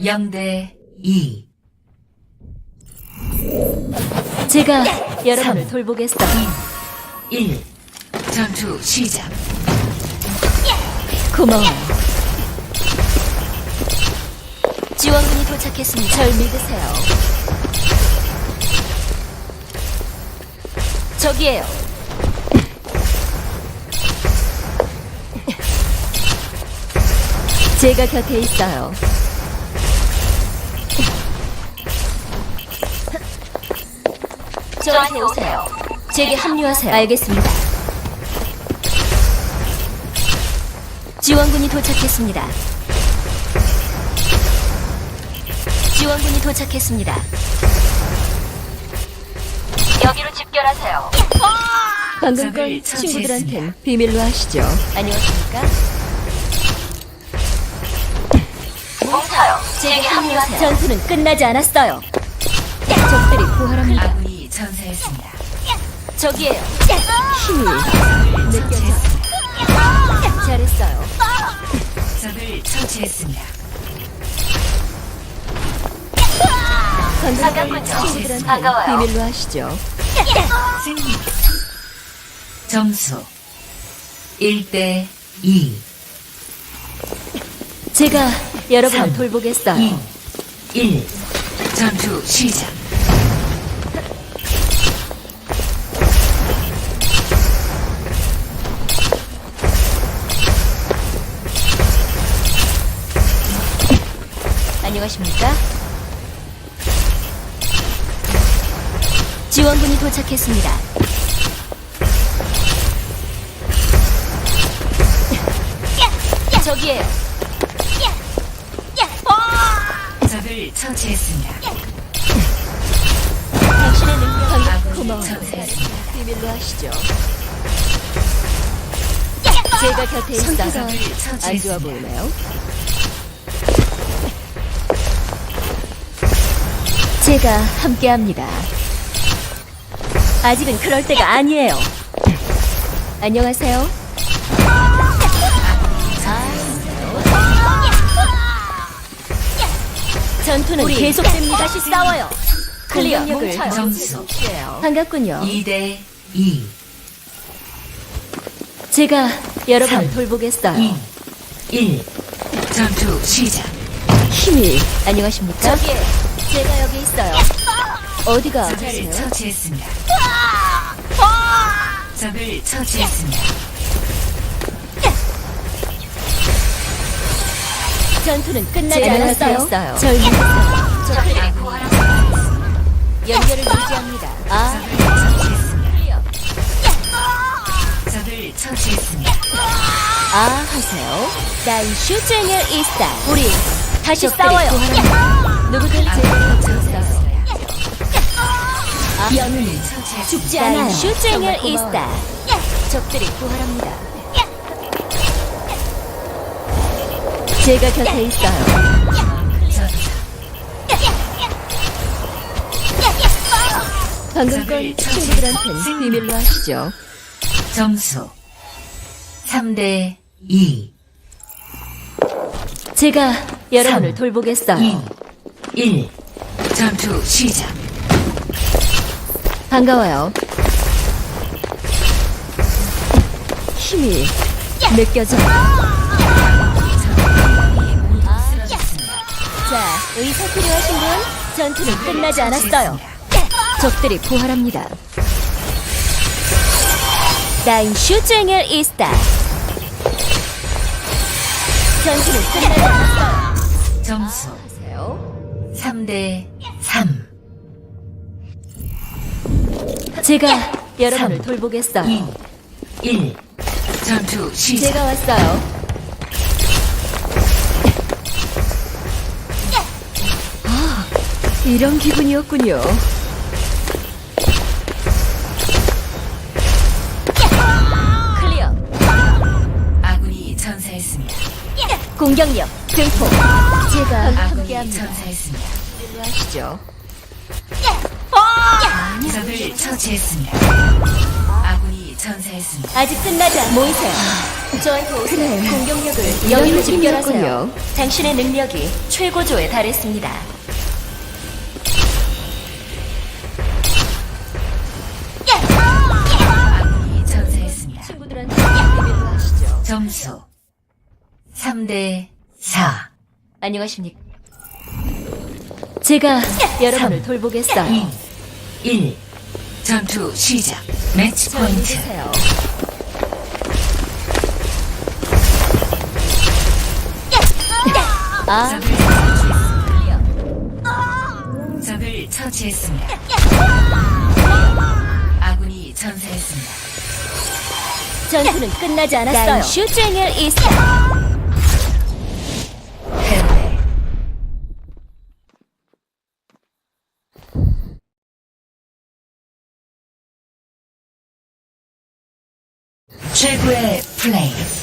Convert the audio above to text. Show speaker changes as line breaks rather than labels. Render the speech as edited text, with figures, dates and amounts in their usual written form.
0대 2.
제가 여러분을
3,
돌보겠어요.
2, 1. 전투 시작.
고마워요. 지원군이 도착했습니다. 절 믿으세요. 저기에요. 제가 곁에 있어요. 저한테 오세요. 제게 합류하세요. 알겠습니다. 지원군이 도착했습니다. 지원군이 도착했습니다. 여기로 집결하세요. 방금 건
적을 처치했습니다.
친구들한텐 비밀로 하시죠. 안녕하십니까? 뭉쳐요. 제게 합류하세요. 전투는 끝나지 않았어요. 적들이 부활합니다.
아군이 전사했습니다.
저기에요. 힘이
적을 처치했습니다.
잘했어요.
적을 처치했습니다.
방금 건 친구들한텐 비밀로 하시죠.
승리. 점수 1대 2.
제가 여러분을
3,
돌보겠어요.
2, 1. 전투 시작.
안녕하십니까? 지원군이 도착했습니다. 저기에요.
적을 처치했습니다.
당신의 능력이
아군이
고마워요.
전사했습니다.
비밀로 하시죠. 제가 곁에 있어서 안 좋아 보이나요? 제가 함께합니다. 아직은 그럴 때가 아니에요. 안녕하세요. 전투는 계속됩니다. 다시 싸워요. 클리어.
점수
반갑군요.
2대 2.
제가 여러분을
3,
돌보겠어요.
2, 1. 전투 시작.
힘이. 안녕하십니까? 저기에 제가 여기 있어요. 어디가
적을
아프세요?
처치했습니다. 적을 처치했습니다.
전투는 끝나지 않았어요. 절
적을
믿으세요.
부활하였습니다.
연결을 유지합니다. 아,
처치했습니다. 적을 처치했습니다.
아 하세요. 난 슈쟁을 이스타. 우리 다시 싸워요. 누구든 제가 곁에 있어요. 아, 영웅은 죽지 않아요. 슈쟁을 이스타. 적들이 부활합니다. 제가 곁에 있어요. 방금 건 친구들한텐 비밀로 하시죠.
점수 3대 2.
제가 여러분을
3,
돌보겠어요.
2, 1. 전투 시작.
반가워요. 힘이 느껴져요. 자, 의사 필요하신 분? 전투는 끝나지 않았어요. 적들이 부활합니다. 나인 슈쟁을 이스타. 전투는 끝나지 않았어요.
점수
하세요.
3대 3.
제가 여러분을
3,
돌보겠어요.
2, 1. 전투 시작.
제가 왔어요. 아, 이런 기분이었군요. 클리어.
아군이 전사했습니다.
공격력 증폭. 제가
아군이
함께합니다.
전사했습니다.
일로 하시죠.
적을 처치했습니다. 아군이 전사했습니다.
아직 끝나지 않 모이세요. 저한테 오세요. 공격력을 여기로 집결하세요. 당신의 능력이 최고조에 달했습니다.
아군이 전사했습니다.
친구들한테 비밀로 하시죠.
점수 3대 4.
안녕하십니까. 제가 여러분을 돌보겠어요.
2, 1. 전투 시작. 매치
저를
포인트.
믿으세요. 아,
적을 처치했습니다. 아군이 전사했습니다.
전투는 끝나지 않았어요. 슈쟁일 이스타.
패배. 최고의 플레이.